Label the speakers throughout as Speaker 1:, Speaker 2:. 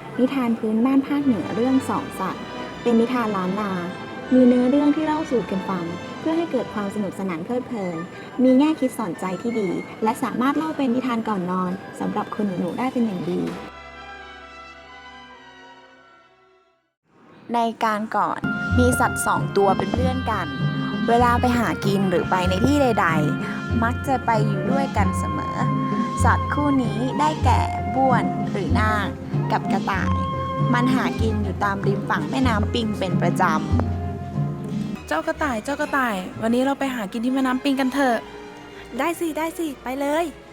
Speaker 1: นิทานพื้นบ้านภาคเหนือเรื่องสองสัตว์เป็นนิทานล้านนา มีเนื้อเรื่องที่เล่าสู่กันฟังเพื่อให้เกิดความสนุกสนานเพลิดเพลิน มีแง่คิดสอนใจที่ดี และสามารถเล่าเป็นนิทานก่อนนอนสำหรับคนหนูๆได้เป็นอย่างดี ในการก่อนมีสัตว์สองตัวเป็นเพื่อนกัน เวลาไปหากินหรือไปในที่ใดๆ มักจะไปอยู่ด้วยกันเสมอ สัตว์คู่นี้ได้แก่บ้วนหรือนาคกับกระต่าย มันหากินอยู่ตามริมฝั่งแม่น้ำปิงเป็นประจ
Speaker 2: เจ้ากระต่าย เจ้ากระต่าย วันนี้เราไปหากินที่แม่น้ำปิงกันเถอะ
Speaker 3: ได้สิ ได้สิ ไปเลย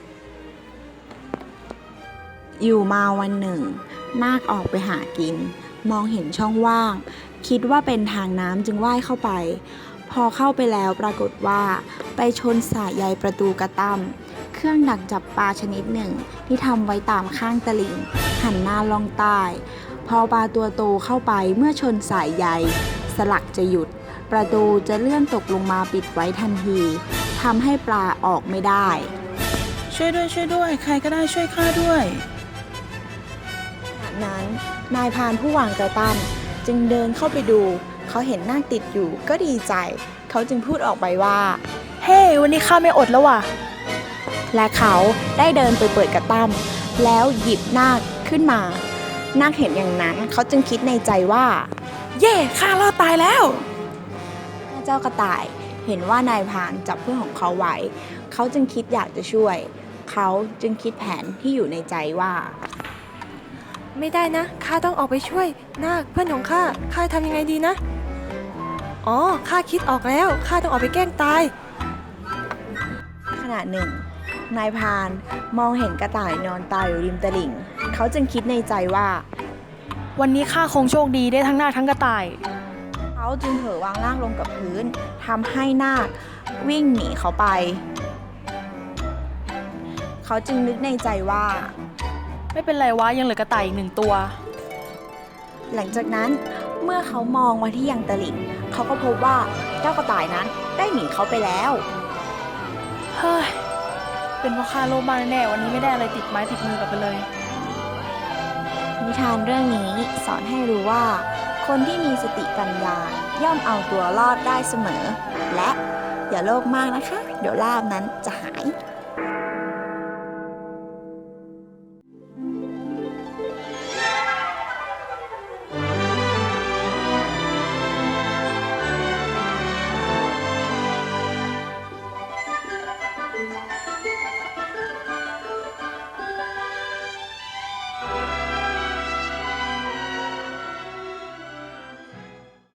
Speaker 1: ำ อยู่มาวันหนึ่ง นาคออกไปหากิน มองเห็นช่องว่าง คิดว่าเป็นทางน้ำจึงว่ายเข้าไป พอเข้าไปแล้วปรากฏว่าไปชนสายใยประตูกระตั้มเครื่องดักจับปลาชนิดหนึ่งที่ทำไว้ตามข้างตลิ่ง หันหน้าลงใต้ พอปลาตัวโตเข้าไปเมื่อชนสายใยสลักจะหยุด ประตูจะเลื่อนตกลงมาปิดไว้ทันทีทำให้ปลาออกไม่ได้
Speaker 2: ช่วยด้วย ช่วยด้วย ใครก็ได้ช่วยข้าด้วย
Speaker 1: ขณะนั้นนายพรานผู้วางกระตั้มจึงเดินเข้าไปดู เขาเห็นนาคติดอยู่ก็ดีใจ เขาจึงพูดออกไปว่า
Speaker 3: เฮ้ วันนี้ข้าไม่อดแล้วว่ะ
Speaker 1: และเขาได้เดินไปเปิดกระตั้มแล้วหยิบนาคขึ้นมา นาคเห็นอย่างนั้นเขาจึงคิดในใจว่า
Speaker 2: เย่ข้ารอดตายแล้ว
Speaker 1: เจ้ากระต่ายเห็นว่านายพรานจับเพื่อนของเขาไว้ เขาจึงคิดอยากจะช่วย เขาจึงคิดแผนที่อยู่ในใจว่า
Speaker 3: ไม่ได้นะ ข้าต้องออกไปช่วยนาคเพื่อนของข้า ข้าทำยังไงดีนะ อ๋อ ข้าคิดออกแล้ว ข้าต้องออกไปแกล้งตาย
Speaker 1: ขณะหนึ่ง นายพรานมองเห็นกระต่ายนอนตายอยู่ริมตลิ่ง เขาจึงคิดในใจว่า
Speaker 3: วันนี้ข้าคงโชคดีได้ทั้งนาคทั้งกระต่าย
Speaker 1: เขาจึงเผลอวางนาคลงกับพื้นทำให้นาควิ่งหนีเขาไป เขาจึงนึกในใจว่า
Speaker 3: ไม่เป็นไรวะ ยังเหลือกระต่ายอีกหนึ่งตัว
Speaker 1: หลังจากนั้นเมื่อเขามองมาที่ยังตลิ่ง เขาก็พบว่าเจ้ากระต่ายนั้นได้หนีเขาไปแล้ว
Speaker 3: เฮ้ย เป็นเพราะข้าโลภมากแน่ๆวันนี้ไม่ได้อะไรติดไม้ติดมือกลับไปเลย
Speaker 1: นิทานเรื่องนี้สอนให้รู้ว่า คนที่มีสติปัญญาย่อมเอาตัวรอดได้เสมอ และอย่าโลภมากนะคะ เดี๋ยวลาภนั้นจะ